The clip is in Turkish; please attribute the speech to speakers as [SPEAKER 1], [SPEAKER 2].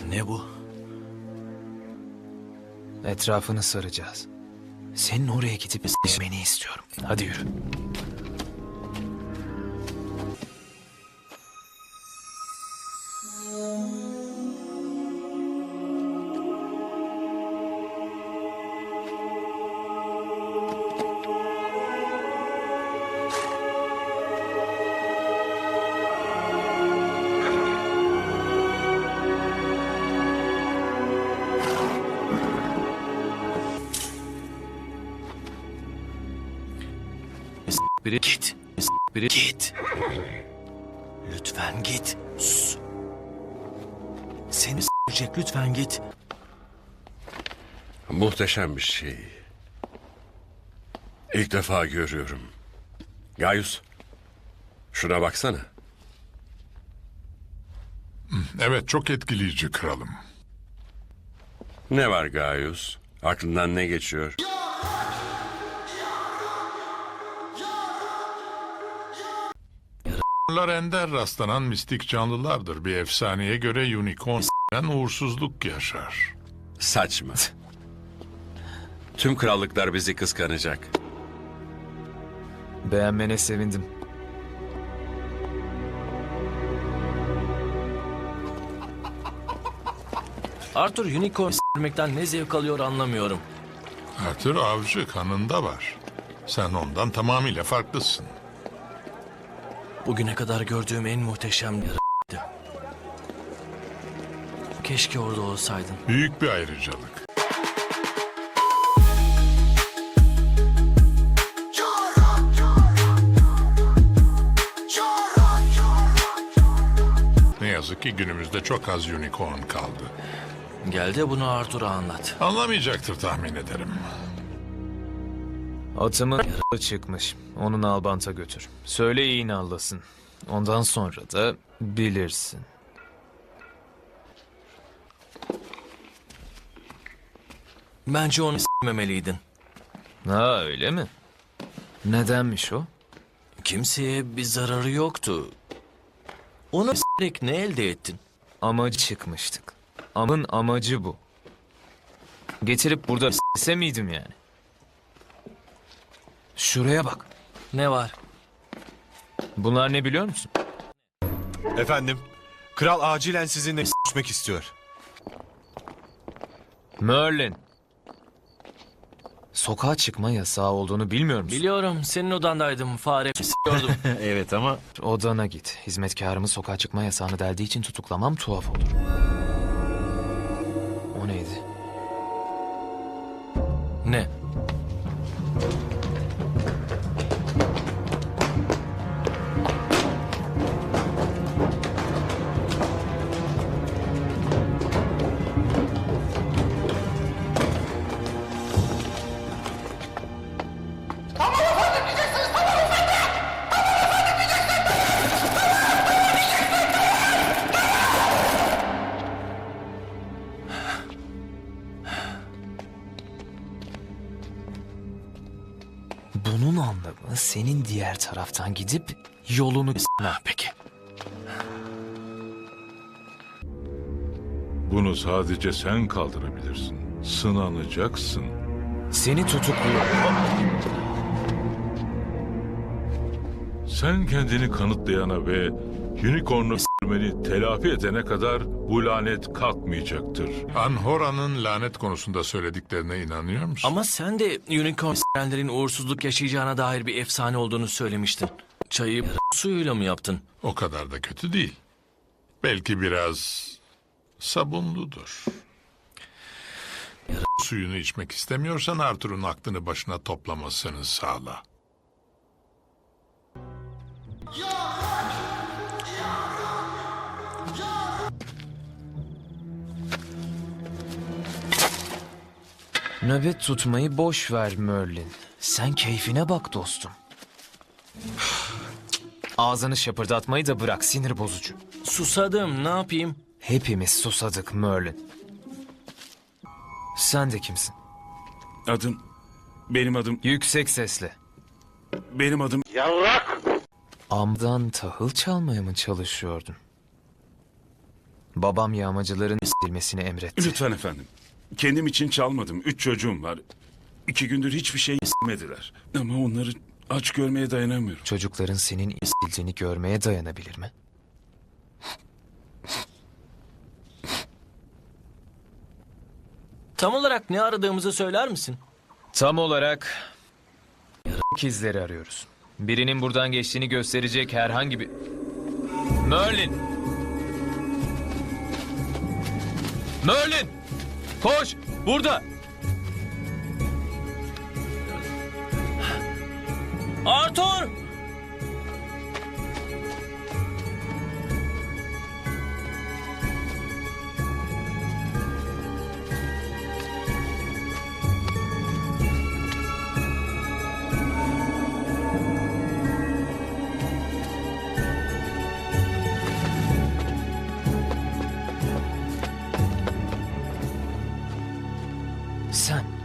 [SPEAKER 1] Ne bu?
[SPEAKER 2] Etrafını saracağız. Senin oraya gidip s**meni istiyorum. Hadi yürü.
[SPEAKER 1] Biri git. Biri git. Lütfen git. Sus. Seni s**ecek, lütfen git.
[SPEAKER 3] Muhteşem bir şey. İlk defa görüyorum. Gaius, şuna baksana.
[SPEAKER 4] Evet, çok etkileyici kralım.
[SPEAKER 3] Ne var Gaius? Aklından ne geçiyor?
[SPEAKER 4] Bunlar ender rastlanan mistik canlılardır. Bir efsaneye göre unicorn uğursuzluk yaşar.
[SPEAKER 3] Saçma. Tüm krallıklar bizi kıskanacak.
[SPEAKER 2] Beğenmene sevindim.
[SPEAKER 1] Arthur unicorn s**mekten ne zevk alıyor anlamıyorum.
[SPEAKER 4] Arthur avcı, kanında var. Sen ondan tamamıyla farklısın.
[SPEAKER 1] Bugüne kadar gördüğüm en muhteşem y***ydi. Keşke orada olsaydın.
[SPEAKER 4] Büyük bir ayrıcalık. Ne yazık ki günümüzde çok az unicorn kaldı.
[SPEAKER 1] Gel de bunu Arthur'a anlat.
[SPEAKER 4] Anlamayacaktır tahmin ederim.
[SPEAKER 2] Atımın çıkmış. Onu Nalbant'a götür. Söyle iyi nallasın. Ondan sonra da bilirsin.
[SPEAKER 1] Bence onu s**memeliydin.
[SPEAKER 2] Ha öyle mi? Nedenmiş o?
[SPEAKER 1] Kimseye bir zararı yoktu. Onu s**erek ne elde ettin?
[SPEAKER 2] Amacı çıkmıştık. Amın amacı bu. Getirip burada s**se miydim yani? Şuraya bak.
[SPEAKER 1] Ne var?
[SPEAKER 2] Bunlar ne biliyor musun?
[SPEAKER 5] Efendim, kral acilen sizinle görüşmek istiyor.
[SPEAKER 2] Merlin. Sokağa çıkma yasağı olduğunu bilmiyor musun?
[SPEAKER 1] Biliyorum, senin odandaydım, fare s**yordum.
[SPEAKER 5] Evet ama...
[SPEAKER 2] Odana git. Hizmetkarımı sokağa çıkma yasağını deldiği için tutuklamam tuhaf olur. O neydi?
[SPEAKER 1] Ne?
[SPEAKER 2] Bunun anlamı senin diğer taraftan gidip yolunu s**men.
[SPEAKER 1] Peki.
[SPEAKER 6] Bunu sadece sen kaldırabilirsin. Sınanacaksın.
[SPEAKER 2] Seni tutukluyorum.
[SPEAKER 6] Sen kendini kanıtlayana ve unicorn'u s**meni telafi edene kadar bu lanet kalkmayacaktır.
[SPEAKER 4] Anhora'nın lanet konusunda söylediklerine inanıyor musun?
[SPEAKER 1] Ama sen de unicorn s**enlerin uğursuzluk yaşayacağına dair bir efsane olduğunu söylemiştin. Çayı suyuyla mı yaptın?
[SPEAKER 4] O kadar da kötü değil. Belki biraz sabunludur. Suyunu içmek istemiyorsan Arthur'un aklını başına toplamasını sağla.
[SPEAKER 2] Nöbet tutmayı boş ver Merlin. Sen keyfine bak dostum. Ağzını şapırdatmayı da bırak, sinir bozucu.
[SPEAKER 1] Susadım, ne yapayım?
[SPEAKER 2] Hepimiz susadık Merlin. Sen de kimsin?
[SPEAKER 7] Benim adım,
[SPEAKER 2] Yüksek sesle.
[SPEAKER 7] benim adım...
[SPEAKER 2] Amdan tahıl çalmaya mı çalışıyordun? Babam yağmacıların istilmesini emretti.
[SPEAKER 7] Lütfen efendim. Kendim için çalmadım. 3 çocuğum var. 2 gündür hiçbir şey istemediler. Ama onları aç görmeye dayanamıyorum.
[SPEAKER 2] Çocukların senin istildiğini görmeye dayanabilir mi?
[SPEAKER 1] Tam olarak ne aradığımızı söyler misin?
[SPEAKER 2] Tam olarak izleri arıyoruz. Birinin buradan geçtiğini gösterecek herhangi bir... Merlin! Merlin! Koş! Burada!
[SPEAKER 1] Arthur!
[SPEAKER 2] Sen...